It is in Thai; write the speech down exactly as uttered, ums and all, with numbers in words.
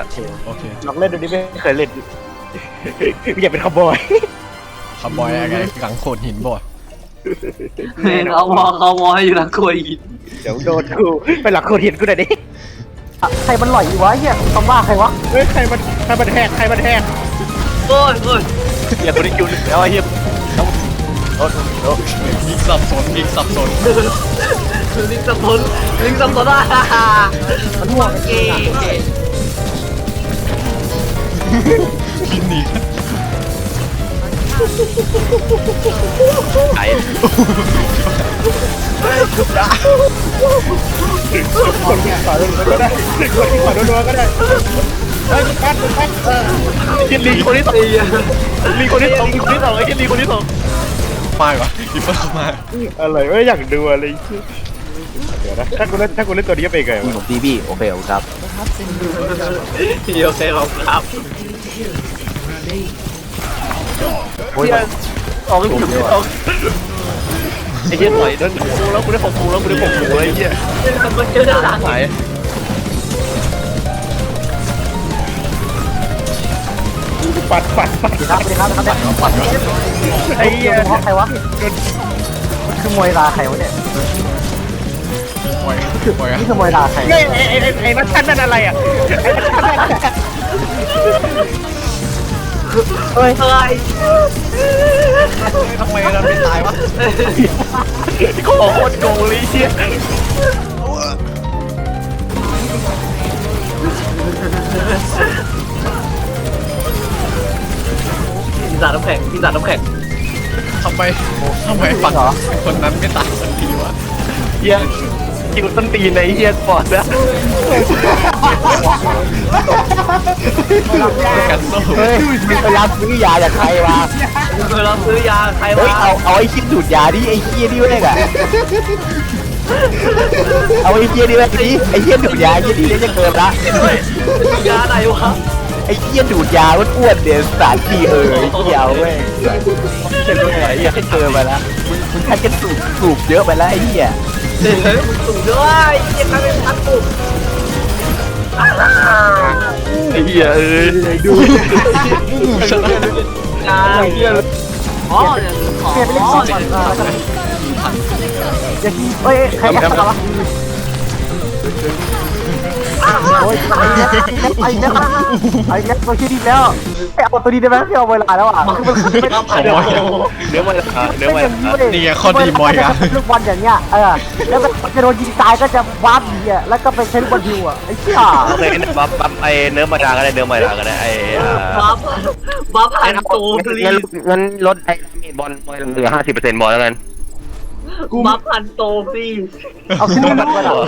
โอเคลองเล่นดูดิไม่เคยเล่นอย่าเป็นขบอยขบอยอะไรหลังโขดหินบ่เขามอเขามอให้อยู่หลังโคยหินเดี๋ยวโดนกูไปหลักโคตรเห็นกูหน่อยดิใครมันหล่อยอยู่วะเฮียคำว่าใครวะเฮ้ยใครมันใครมันแหกใครมันแหกโอ้ยโอ้ยอย่าคนที่คิวแล้วไอ้เหี้ยโอ้โหยิงสับสนยิงสับสนลิงสับสนลิงสับสนอ่ะมันห่วงเก๋ยิงหนีไอ้คนที่ขวาโดนก็ได้คนที่ขวาโดนก็ได้เฮ้ยปัดปัดเออยินลีคนที่สองลีคนที่สองคนที่สองไอ้ยินลีคนที่สองมาเหรอดิเฟิร์เข้ามาอะไรไม่อยากดูอะไรเดี๋ยวนะถ้ากูเล่นถ้ากูเล่นตัวนี้เป็นไงนี่ผมบีบี้โอเคโอเคครับเดี๋ยวเซ่เราครับโอ้ยออกถูกออกไอ้เหี้ยถอยเดินกูแล้วกูได้ของกูแล้วกูได้ของกูไอ้เหี้ยมันเจอด้านหลังไหนปัดปัดปัดสวัสดีครับสวัสดีครับปัดก่อนไอ้เหี้ยเพราะใครวะมันคือมวยลาใครวะเนี่ยปล่อยปล่อยนี่คือมวยลาใครไอ้ไอ้ไอ้ไอ้นัทชันนั่นอะไรอ่ะเฮ้ยเฮ้ยทำไมเราไม่ตายวะของโคตรโกงเลยเหี้ยปีศาจน้ำแข็งปีศาจน้ำแข็งทำไมทำไมฝั่งคนนั้นไม่ตายสักทีวะเหี้ยคิวต้นตีนไอ้เหี้ยปอดนะกันโซ่เฮ้ยมีพยายามซื้อยาจากใครวะเคยเราซื้อยาใครเฮ้ยวะเอาเอาไอ้คิดดูดยาดิไอ้เฮียนี่แม่งอะเอาไอ้เฮียนี่แม่งดิไอ้เฮียดูดยาไอ้เฮียนี่จะเกินละยาไหนวะไอ้เฮียดูดยาอ้วนๆเดี๋ยวสารทีเออไอ้เฮียเอาแม่งเป็นไงไอ้เฮียเกินไปละมึงมึงแค่จะสูบสูบเยอะไปแล้วไอ้เฮียเฮ้ยมึงสูงด้วยยังไงเป็นพันปุ๊บไอ้เหี้ยเอ้ยดูชนะยาอ๋อเนี่ยขอเปลี่ยนไปเล่นก่อนก่อนแล้วกันอย่าทีเฮ้ยใครแอบตามวะโอ้ยไอ้เนี้ยไอ้เนี้ยไอ้เนี้ยมาคิดดีแล้วไอ้เอาตัวนี้ได้ไหมที่เอาเวลาแล้วอ่ะคือมันไม่ได้ขโมยเนื้อมันเนื้อมันนี่ไงข้อดีมอยกันลูกบอลอย่างเงี้ยเออแล้วจะโดนยิงตายก็จะวาร์ปดีอ่ะแล้วก็ไปใช้ลูกบอลฮิวอ่ะไอ้เหี้ยโอเคบัฟบัฟไอ้เนื้อมาดาก็ได้เนื้อมาดาก็ได้ไอ้บัฟบัฟผ่านโตพลีงั้นงั้นลดไอ้บอลบอลเหลือห้าสิบเปอร์เซ็นต์บอลแล้วกันบัฟผ่านโตพลีเอาขึ้นมาแบบว่า